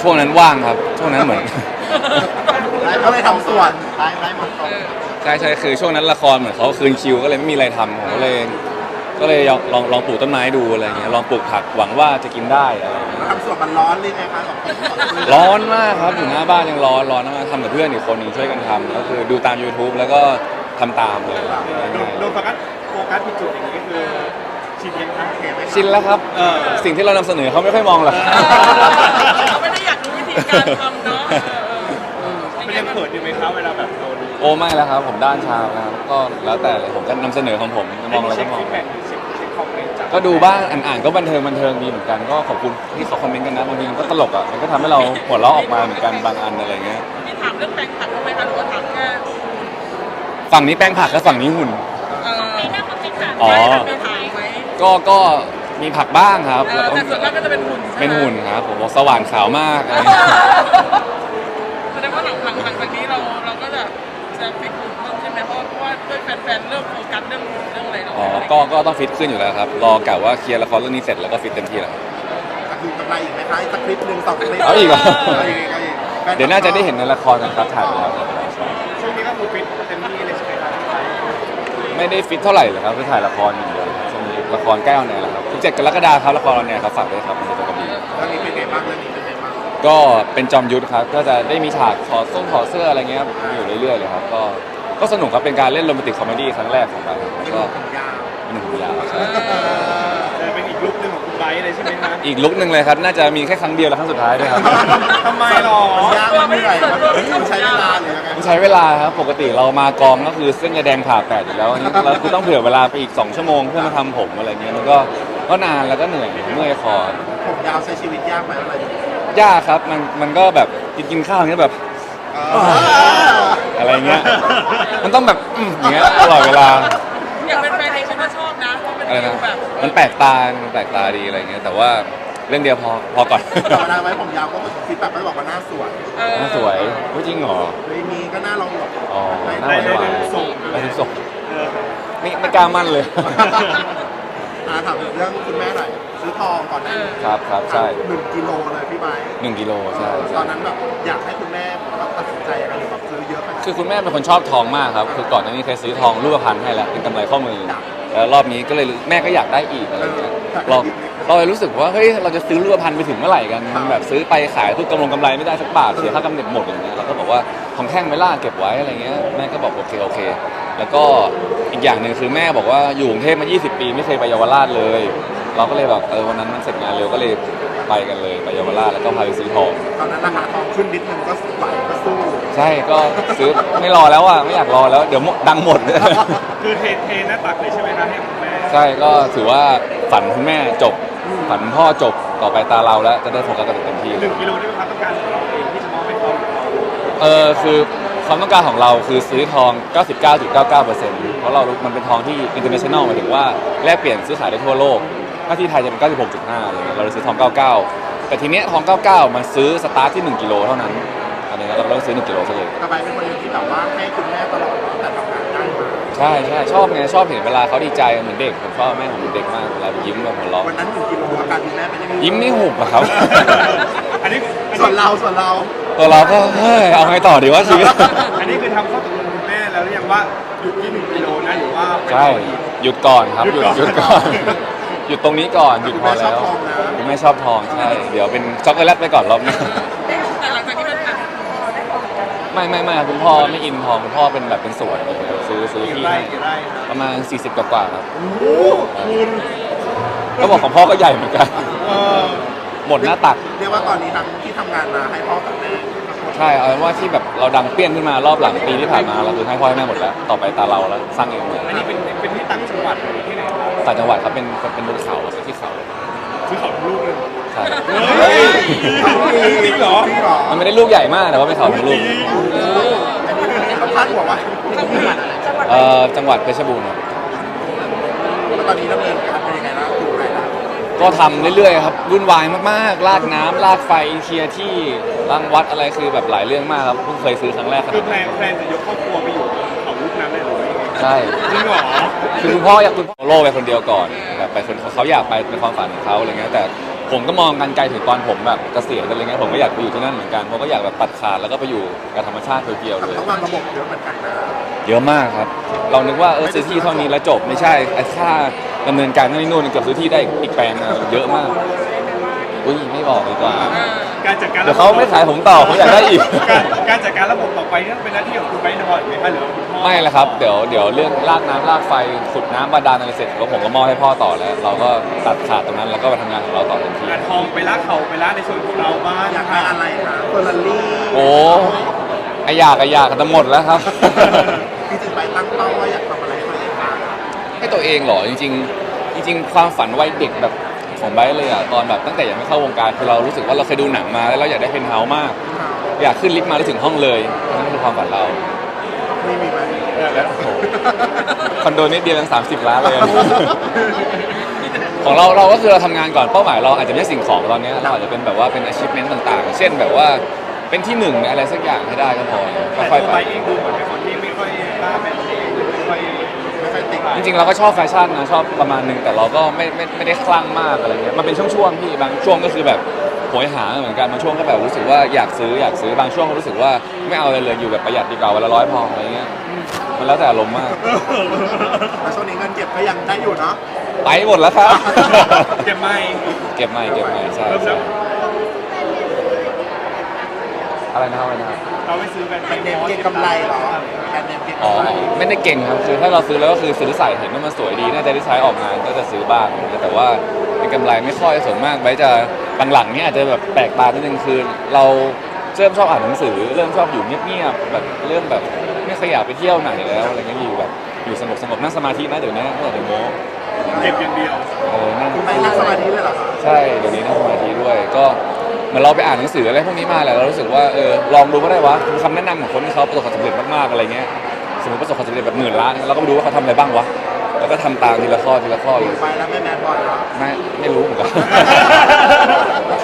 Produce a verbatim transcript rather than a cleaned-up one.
ช่วงนั้นว่างครับช่วงนั้นเหมือนก็เลยทำส่วนไล่ไล่หมดก่อนใช่ใช่คือช่วงนั้นละครเหมือนเขาคืนคิวก็เลยไม่มีอะไรทำผมก็เลยก็เลยลองลองลองปลูกต้นไม้ดูอะไรเงี้ยลองปลูกผักหวังว่าจะกินได้อะไรเงี้ยทำส่วนมันร้อนเลยไงคะสองคนร้อนมากครับอยู่หน้าบ้านยังร้อนร้อนมากทำกับเพื่อนอีกคนหนึงช่วยกันทำก็คือดูตาม YouTube แล้วก็ทำตามเลยโดนโฟกัสโฟกัสผิดจุดอย่างนี้ก็คือชินยังครับเห็นไหมชินแล้วครับเออสิ่งที่เรานำเสนอเขาไม่ค่อยมองหรอกเราไม่ได้อยากรู้วิธีการทำเนาะเออมันยังเขินอยู่ไหมครับเวลาแบบเราดูโอ้ไม่แล้วครับผมด้านชานะครับก็แล้วแต่เลยผมก็นำเสนอของผมจะมองอะไรเช็ก็คมองฟีดแบ็กเช็คเช็คคอมเมนต์จากก็ดูบ้างอ่านๆก็บันเทิงบันเทิงดีเหมือนกันก็ขอบคุณที่เขาคอมเมนต์กันนะบางทีมันก็ตลกอ่ะมันก็ทำให้เราหัวเราะออกมาเหมือนกันบางอันอะไรเงี้ยมีถามเรื่องแปลงผักทำไมคะหรือว่าถามแค่ฝั่งนี้แป้งผักกับฝั่งนี้หุ่นเออไม่น่าเขาเป็นถามอ๋อไม่ถามไหมก็ก็มีผักบ้างครับเอแล้วอก็แต่ส่วนมากก็จะเป็นหุ่นเป็นหุ่นครับผมบอกสว่านขาวมากอะไรเงี้ยแสดงว่าหลังหลังหลังจากนี้เราเราก็จะจะฟิตหุ่นเพิ่มใช่ไหมเพราะว่าด้วยแฟนๆเริ่มโฟกัสเรื่องหุ่นเรื่องอะไรเราอ๋อก็ก็ต้องฟิตขึ้นอยู่แล้วครับรอกะว่าเคลียร์ละครเรื่องนี้เสร็จแล้วก็ฟิตเต็มที่แล้วดูกำไรอีกไหมคะอีกสักคลิปหนึ่งสองคลิปเอาอีกเหรอเอาอีกเอาอีกเดี๋ยวน่าจะได้เห็นในละครกันครับถ่ายไปแล้วครับช่วงนี้ก็คือฟิตเต็มที่เลยใช่ไหมครับไม่ได้ฟิตเท่าไหร่เลยครับคือถ่ายละครอย่างเดียวช่วงนี้ละครใกล้ออนแอร์แล้วครับสิบเจ็ดกรกฎาคมครับละครออนแอร์ครับฝากด้วยครับมันจะเป็นกระบี่เรื่องนี้เป็นไงบ้างเรื่องนี้เป็นไงบ้างก็เป็นจอมยุทธครับก็จะได้มีฉากถอดส้มถอดเสื้ออะไรเงี้ยครับอยู่เรื่อยๆเลยครับก็ก็สนุกครับเป็นการเล่นโรแมนติกคอมเมดี้ครั้งแรกของเราแล้วก็ผมยาวเป็นหนึ่งยาวใช่จะเป็นอีกลุคหนึ่งของคุณไบร์ทเลยใช่ไหมครับอีกลุกหนึ่งเลยครับน่าจะมีแค่ครั้งเดียวและครั้งสุดท้ายด้วยครับทำไมหรอมันยากมันเหนื่อยมันใช้เวลาหรือยังไงมันใช้เวลาครับปกติเรามากองก็คือเส้นยาแดงผ่าแปดอยู่แล้วอันนี้เราคือต้องเผื่อเวลาไปอีกสองชั่วโมงเพื่อมาทำผมอะไรเงี้ยมันก็ก็นานแล้วก็เหนื่อยเมื่อยคอผมยาวใช้ชีวิตยากไหมอะไรยากครับมันมันก็แบบกินกินข้าวอย่างเงี้ยแบบเอออะไรเงี้ยมันต้องแบบอืมอย่างเงี้ยตลอดเวลาอย่างเป็นแฟนเองฉันก็ชอบนะเพราะเป็นอะไรฟินะลแบบมันแปลกตา มันแปลกตาดีอะไรเงี้ย แต่ว่าเรื่องเดียวพอ พอก่อนแต่เวลาไว้ผมยาวก็ฟีดแบ็กก็บอกว่าหน้าสวยเออน่าสวยพูดจริงเหรอไม่มีก็หน้าเราหลอกอ๋อ หน้าได้หวานหวานได้ได้ส่งไปทุกส่งเออไม่ไม่กล้ามั่นเลยอ่าถามเรื่องคุณแม่หน่อยซื้อทองก่อนหน้านี้ครับครับใช่หนึ่งกิโลเลยพี่ใบหนึ่งกิโลใช่ตใช่อนนั้นแบบอยากให้คุณแม่แบบตัดสินใจอะไรหรือแบบซื้อเยอะขนาดคือคุณแม่เป็นคนชอบทองมากครับ คือก่อนหน้านี้เคยซื้อทองรูปพรรณให้แล้วเป็นกำไรข้อมือ แล้วรอบนี้ก็เลยแม่ก็อยากได้อีกอะไรเงี้ย เราเราเลยรู้สึกว่าเฮ้ยเราจะซื้อรูปพรรณไปถึงเมื่อไหร่กัน มันแบบซื้อไปขายเพื่อกำลงกำไรไม่ได้สักบาทเสียค่ากำเนิดหมดอย่างเงี้ยเราก็บอกว่าทองแท่งไม่ล่าเก็บไว้อะไรเงี้ยแม่ก็บอกโอเคโอเค แล้วก็อีกอย่างหนึ่งคือแม่บอกว่าอยู่กรุงเทพมายี่สิบปีไม่เคยไปเยาวราชเลย เราก็เลยแบบเออวันนั้นมันเสร็จงานเร็วก็เลยไปกันเลยไปเยาวราชแล้วก็พาไปซื้อทองตอนนั้นราคาทองขึ้นนิดนึงก็ไหวก็สู้ใช่ก็ซื้อไม่รอแล้วอ่ะไม่อยากรอแล้วเดี๋ยวหมดดังหมดคือเทเทหน้าตักเลยใช่ไหมครับให้คุณแม่ใช่ก็ถือว่าฝันคุณแม่จบ ฝันพ่อจบต่อไปตาเราแล้วจะได้โฟกัสกันเต็มที่หนึ่งกิโลนี่เป็นความต้องการของเราเองที่จะมอบให้เขาหรือเราเออคือความต้องการของเราคือซื้อทอง เก้าสิบเก้าจุดเก้าเก้าเปอร์เซ็นต์ เพราะเรามันเป็นทองที่ international หมายถึงว่าแลกเปลี่ยนซื้อขายได้ทั่วโลกถ้าที่ไทยจะเป็น เก้าสิบหกจุดห้า อะไรเงี้ยเราเลยซื้อทอง เก้าสิบเก้า แต่ทีเนี้ยทอง เก้าสิบเก้า มันซื้อสตาร์ทที่ หนึ่งกิโลเท่านั้นอันนี้เราก็ต้องซื้อหนึ่งกิโลซะเลยกระบายเป็นคนหนึงที่แบบว่าให้คุณแม่ตลอดแต่ทำงานได้มาใช่ใช่ชอบไงชอบเห็นเวลาเขาดีใจเหมือนเด็กผมชอบแม่ผมเหมือนเด็กมากเวลายิ้มแบบหัวเราะวันนั้นหนึ่งกิโลอาการคุณแม่เป็นยังไงยิ้มไม่หุบอะครับอันนี้อันส่วนนี้เราส่วนเราตัวเราก็เฮ้ยเอาไงต่อดีวะชีวิตอันนี้คือทำข้อตกลงคุณแม่แล้วหรือยังว่าหยุดที่หนึ่งกิโลนะหรือว่าไปใช่ต่ออีกหยุดก่อนครับ หยุดหหยุยุดดก่ก่ออน น หยุดตรงนี้ก่อน หยุดคุณพอแม่ชอแล้บวทองนะคุณแม่ชอบทองใช่ เดี๋ยวเป็นช็อกโกแลตไปก่อนรอบนี้แต่หลังจากที่มันผ่านไม่ไม่ไม่คุณพ่อไม่อินทองคุณพ่อเป็นแบบเป็นสวนซื้อซื้อกี่ที่ไร่ให้กี่ไร่ครับประมาณ สี่สิบ กว่าๆครับโอ้โหคุณก็บอกของพ่อก็ใหญ่เหมือนกันเออหมดหน้าตักเรียกว่าตอนนี้ทั้งที่ทำงานมาให้พ่อกับแม่ใช่เอาเป็นว่าที่แบบเราดังเปี้ยนขึ้นมารอบหลังปีที่ผ่านมาเราคือให้พ่อให้แม่หมดแล้ว ต่อไปตาเราแล้วสร้างเองเลยอันนี้เป็นเป็นที่ต่างจังหวัดหรือที่ไหนครับต่างจังหวัดครับเป็นเป็นบนเขาที่เขาซื้อเขาลูกเลยใช่เฮ้ยจริงเหรอจริงเหรอมันไม่ได้ลูกใหญ่มากแต่ว่าเป็นเขาทั้งลูกเขาพาดหัวว่าเอ่อจังหวัดเพชรบูรณ์ครับแล้วตอนนี้ดำเนินการเป็นยังไงนะถูกไหนนะก็ทำเรื่อยๆครับวุ่นวายมากๆลากน้ำลากไฟเคลียร์ที่รังวัดอะไรคือแบบหลายเรื่องมากครับเพิ่งเคยซื้อครั้งแรกขคืนาอดแพลนั้นนแพลนจะยกครอบครัวไปอยู่เขาลูกนั้นเลยเหรอใช่จริงเหรอคือคุณพ่ออยากคุณพ่อโลกไปคนเดียวก่อนแบบไปคนเขาอยากไปเป็นความฝันของเขาอะไรเงี้ยแต่ผมก็มองกันไกลถึงตอนผมแบบเกษียณอะไรเงี้ยผมก็อยากไปอยู่ที่นั่นเหมือนกันผมก็อยากแบบตัดขาดแล้วก็ไปอยู่กับธรรมชาติเพียวๆเลยต้องวางระบบเยอะเหมือนกันนะเยอะมากครับ เรานึกว่าเออซื้อที่เท่านี้แล้วจบไม่ใช่ไอ้ค่าดำเนินการนั่นนี่นู่นเกือบซื้อที่ได้อีกแปลงอะเยอะมากอุ้ยไม่บอกดีกว่าการจัดการเดี๋ยวเขาไม่ขายผมต่อเขาอยากได้อีกการการจัดการระบบต่อไปนี่เป็นหน้าที่ของคุณไบร์ทนอยไหมคะหรือว่าคุณพ่อไม่ละครับเดี๋ยวเดี๋ยวเรื่องลากน้ำลากไฟขุดน้ำบาดาลอะไรเสร็จแล้วผมก็มอบให้พ่อต่อแล้ว เราก็ตัดขาดตรงนั้นแล้วก็ไปทำงานของเราต่อทันทีงานทองไปละเขาไปละในส่วนของเราบ้างอยากได้อะไรคะเฟอร์รารี่โอ้ไออยากไออยากกันจะหมดแล้วครับจริงๆไปตั้งเป้าว่าอยากทำอะไรให้ตัวเองบ้างให้ตัวเองเหรอจริงๆจริง ๆ ความฝันวัยเด็กแบบของไบร์ทเลยอะตอนแบบตั้งแต่ยังไม่เข้าวงการคือเรารู้สึกว่าเราเคยดูหนังมาแล้วเราอยากได้เพนท์เฮาส์มาก อยากขึ้นลิฟต์มาแล้วถึงห้องเลยนั่นคือความฝันเราไม่มีไหมแล้วโอ้โหคอนโดนิดเดียวยังสามสิบล้านเลย ของเราเราก็คือเราทำงานก่อนเป้าหมายเราอาจจะไม่ใช่สิ่งของตอนนี้เราอาจจะเป็นแบบว่าเป็น achievement ต่างๆ เช่นแบบว่าเป็นที่หนึ่งในอะไรสักอย่างให้ได้ก็พอแต่ค่อยตัวๆไบไปร์ทเองดูเหมือนเป็นคนที่ไม่ค่อยกล้าเป็นเองไม่ค่อยไม่ค่อยติดจริงๆเราก็ชอบแฟชั่นนะชอบประมาณหนึงแต่เราก็ไม่ไม่ไม่ได้คลั่งมากอะไรเงี้ยมันเป็นช่วงๆพี่บางช่วงก็คือแบบโหยหาเหมือนกันบางช่วงก็แบบรู้สึกว่าอยากซื้ออยากซื้อบางช่วงก็รู้สึกว่าไม่เอาอะไรเลยอยู่แบบประหยัดดีกว่าวันละร้อยพออะไรเงี้ยมันแล้วแต่อารมณ์มากแล้วช่วงนี้เงินเก็บก็ยังได้อยู่เนาะไปหมดแล้วครับเก็บไม่เก็บใหม่เก็บใหม่ใช่เริ่มใช่แล้วอะไรนะครับอะไรนะครับเราไม่ซื้อแบรนด์แบรนด์เนมเก็งกำไรเหรอแบรนด์เนมเก็งอ๋อกำไรไม่ได้เก่งครับคือถ้าเราซื้อแล้วก็คือซื้อใส่เห็นว่ามันสวยดีน่าจะได้ใช้ออกงานก็จะซื้อบ้างแต่ว่าเป็นกำไรไม่ค่อยส่วนมากไว้จะหลังๆเนี่ยอาจจะแบบแปลกตานิดนึงคือเราเริ่มชอบอ่านหนังสือเริ่มชอบอยู่เงียบๆแบบเริ่มแบบไม่ขยับไปเที่ยวไหนแล้วอะไรเงี้ยอยู่แบบอยู่สงบสงบๆนั่งสมาธินะเดี๋ยวนี้เดี๋ยวโม้เก็บอย่างเดียวเออนั่งคุณไปนั่งสมาธิเลยเหรอคะใช่เดี๋ยวนี้นั่งสมาธิด้วยก็เหมือนเราไปอ่านหนังสืออะไรพวกนี้มาแหละเรารู้สึกว่าเออลองดูก็ได้วะคือคำแนะนำของคนที่เขาประสบความสำเร็จมากๆอะไรเงี้ยสมมติประสบความสำเร็จแบบหมื่นล้านเราก็ไปดูว่าเขาทำอะไรบ้างวะแล้วก็ทำตามทีละข้อทีละข้อเลยไปแล้วไม่แมนบอลเหรอไม่ไม่รู้เหมือนกัน